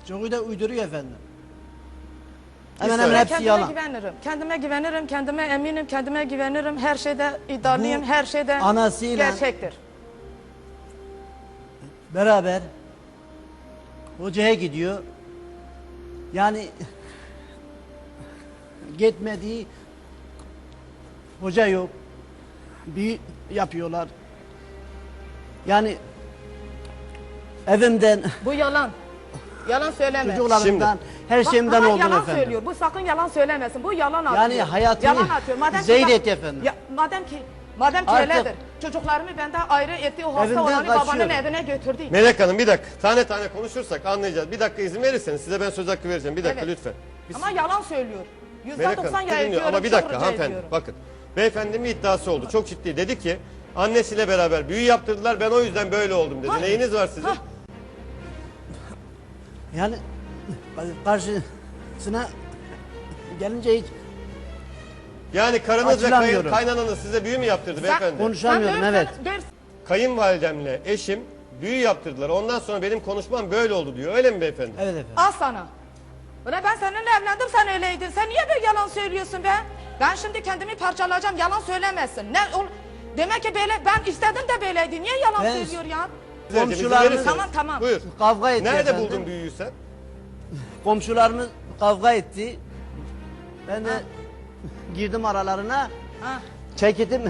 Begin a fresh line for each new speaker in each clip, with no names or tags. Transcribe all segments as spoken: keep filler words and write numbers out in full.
Çoğu da uyduruyor efendim.
Hemen
Hemen
hemen
hemen hepsi
kendime
yalan.
güvenirim. Kendime güvenirim, kendime eminim, kendime güvenirim. Her şeyde iddialıyım,
Bu
her şeyde
anasıyla-
gerçektir.
Beraber hocaya gidiyor. Yani gitmediği hoca yok. Bir yapıyorlar. Yani evimden,
Bu yalan. Yalan söyleme.
çocuklarımdan, her
Bak,
şeyimden
bana
oldum
yalan
efendim.
söylüyor. Bu sakın yalan söylemesin. Bu yalan atıyor.
Yani hayatını
yalan atıyor. Madem ki
zehir
bak-
etti efendim.
Ya, madem ki madem ki
Artık-
öyledir. Çocuklarımı benden ayrı etti. O hasta
Evimden
olanı babanın
kaçıyorum.
evine götürdü.
Melek Hanım bir dakika. Tane tane konuşursak anlayacağız. Bir dakika izin verirseniz size ben söz hakkı vereceğim. Bir dakika
Evet.
lütfen. Bir
Ama yalan söylüyor. Yüzde
Melek
doksan
Hanım
ya
dinliyor
ediyorum.
ama bir
çok
dakika
rica
hanımefendi
ediyorum.
bakın. Beyefendinin bir iddiası oldu. Çok ciddi. Dedi ki annesiyle beraber büyü yaptırdılar. Ben o yüzden böyle oldum dedi.
Ha.
Neyiniz var sizin?
Ha.
Yani karşısına gelince hiç
Yani karınız ve kayın,
Açılamıyorum.
kaynananız size büyü mü yaptırdı beyefendi?
konuşamıyorum,
Sen
evet.
dört- dört-
Kayınvalidemle eşim büyü yaptırdılar. Ondan sonra benim konuşmam böyle oldu diyor. Öyle mi beyefendi?
Evet efendim.
Al sana. Ulan ben seninle evlendim, sen öyleydin. Sen niye böyle yalan söylüyorsun be? Ben şimdi kendimi parçalayacağım, yalan söylemezsin. Ne ol? Demek ki böyle, ben istedim de böyleydi. Niye yalan
Ben-
söylüyor ya?
Vereceğim, izin
Komşularımız-
verirseniz.
Tamam, tamam.
Buyur.
Kavga etti
Nerede
efendim.
buldun büyüyü sen?
Komşularımız kavga etti. Ben de girdim aralarına.
Ha.
Çekildim.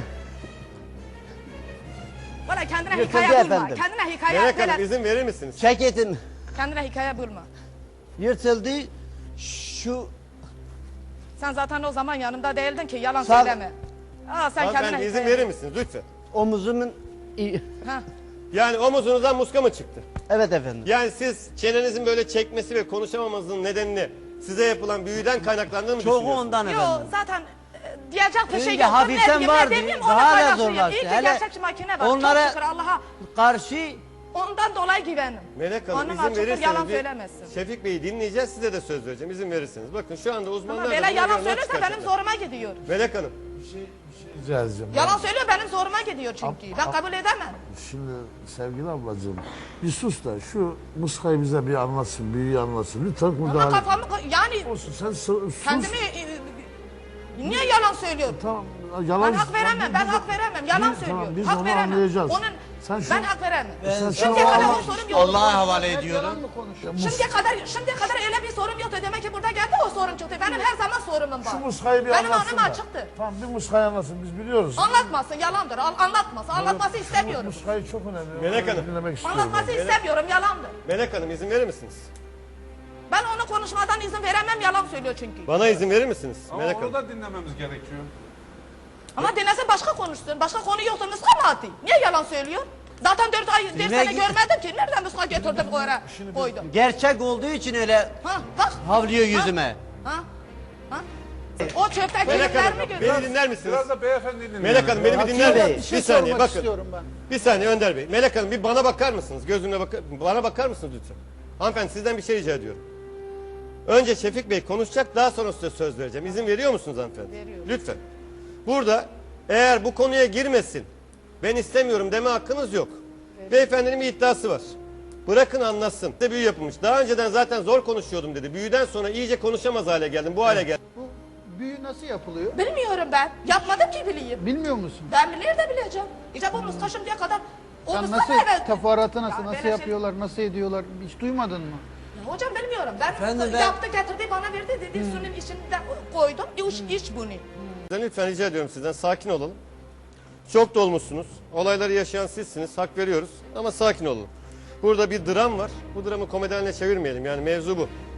Valla kendine
Yırtıldı
hikaye bulma.
efendim.
Kendine hikaye
Melek Hanım
böyle.
izin verir misiniz?
Çekildim.
Kendine hikaye bulma.
Yırtıldı. Şu
Sen zaten o zaman yanımda değildin ki yalan
Sağ-
söyleme. Aa, sen kendine
Hanımefendi izin
hikaye
verir misiniz lütfen?
omuzumun...
Ha.
Yani omuzunuzdan muska mı çıktı?
Evet efendim.
Yani siz çenenizin böyle çekmesi ve konuşamamanızın nedenini size yapılan büyüden kaynaklandığını mı
Çoğu
düşünüyorsunuz?
ondan
Yo
efendim.
zaten e, diyecek bir şey
Önce
yok.
hafiften
Ne-
vardı,
ne demeyeyim,
daha
ona
da
paylaşmıyor.
zorlaştı.
İyi ki
Hele
gerçekçi makine var.
onlara-
Çok şükür Allah'a.
Karşı
Ondan dolayı güvenim.
Melek Hanım
Onun
izin
açıktır,
verirseniz
yalan
bir
söylemezsin.
Şefik Bey'i dinleyeceğiz, size de söz vereceğim izin verirseniz. Bakın şu anda uzmanlar
Ama
da
böyle
buna
yalan
göre not
söylerse benim
çıkaracaklar.
zoruma gidiyor.
Melek Hanım
Rica edeceğim.
Yalan söylüyor benim zoruma gidiyor çünkü. Ben kabul edemem.
Şimdi sevgili ablacığım bir sus da şu muskayı bize bir anlatsın, büyüyü anlatsın. Lütfen
Ama
müdahale.
kafamı yani
Olsun sen sus.
kendimi e, niye yalan söylüyor?
Tamam, yalan.
Ben hak veremem, ben hak veremem. Yalan
Biz-
söylüyor.
tamam, biz
hak
onu
veremem.
anlayacağız.
Onun,
Sen şu-
ben hak veremem.
Sen şu
Şimdiye kadar
Allah-
o sorum yoktu.
Allah'a havale ediyorum.
Şimdiye kadar, şimdiye kadar öyle bir sorum yoktu. Demek ki burada geldi o sorun çıktı. Benim her zaman sorumum var.
Şu muskayı bir
Benim
anlatsın
anım
da.
açıktır.
Tamam bir muskayı anlatsın biz biliyoruz.
Anlatmasın, yalandır. Al- Anlatmasın, anlatması
Şu
istemiyorum.
muskayı çok önemli.
Melek
Onu
Hanım.
Dinlemek istiyorum.
Anlatması istemiyorum, yalandır.
Melek Hanım izin verir misiniz?
Ben onu konuşmadan izin veremem, yalan söylüyor çünkü.
Bana izin verir misiniz?
Ama
Melek
onu
Hanım.
da dinlememiz gerekiyor.
Ama dinlese başka konuşsun. Başka konu yoksa muska mı atayım? Niye yalan söylüyor? Zaten dört ay, dört
Dinle
sene
git.
görmedim ki. Nereden muska getirdim o yere koydum?
gerçek olduğu için öyle
Ha, bak.
havlıyor yüzüme.
Ha, ha. O çöpteki
Melek Hanım
ürünlerimi görüyor.
beni dinler misiniz?
Biraz da beyefendi dinleyelim.
Melek Hanım beni bir dinler
Bey,
misiniz?
bir
Bir
şey
saniye
sormak
bakın.
istiyorum ben.
Bir saniye Önder Bey. Melek Hanım bir bana bakar mısınız? Gözümle bakar. Bana bakar mısınız lütfen? Hanımefendi sizden bir şey rica ediyorum. Önce Şefik Bey konuşacak, daha sonra size söz vereceğim. İzin veriyor musunuz hanımefendi?
Veriyorum.
Lütfen. Burada eğer bu konuya girmesin, ben istemiyorum deme hakkınız yok. Beyefendinin bir iddiası var. Bırakın anlatsın. Size büyü yapılmış. Daha önceden zaten zor konuşuyordum dedi. Büyüden sonra iyice konuşamaz hale geldim. Bu hale geldim.
Bu büyü nasıl yapılıyor?
Bilmiyorum ben. Yapmadım ki bileyim.
Bilmiyor musun?
Ben bilir de bileceğim. İşte bu muska şimdiye kadar o
Sen
muska
nasıl
evet.
teferruatı nasıl
Ya
nasıl
böyle şey-
yapıyorlar, nasıl ediyorlar hiç duymadın mı?
Ya hocam bilmiyorum. Ben
Efendim ben-
yaptı getirdi bana verdi dedi. Suyun içinde koydum. İç, iç bunu.
Lütfen rica ediyorum sizden sakin olalım. Çok dolmuşsunuz. Olayları yaşayan sizsiniz. Hak veriyoruz. Ama sakin olun. Burada bir dram var. Bu dramı komedi haline çevirmeyelim. Yani mevzu bu.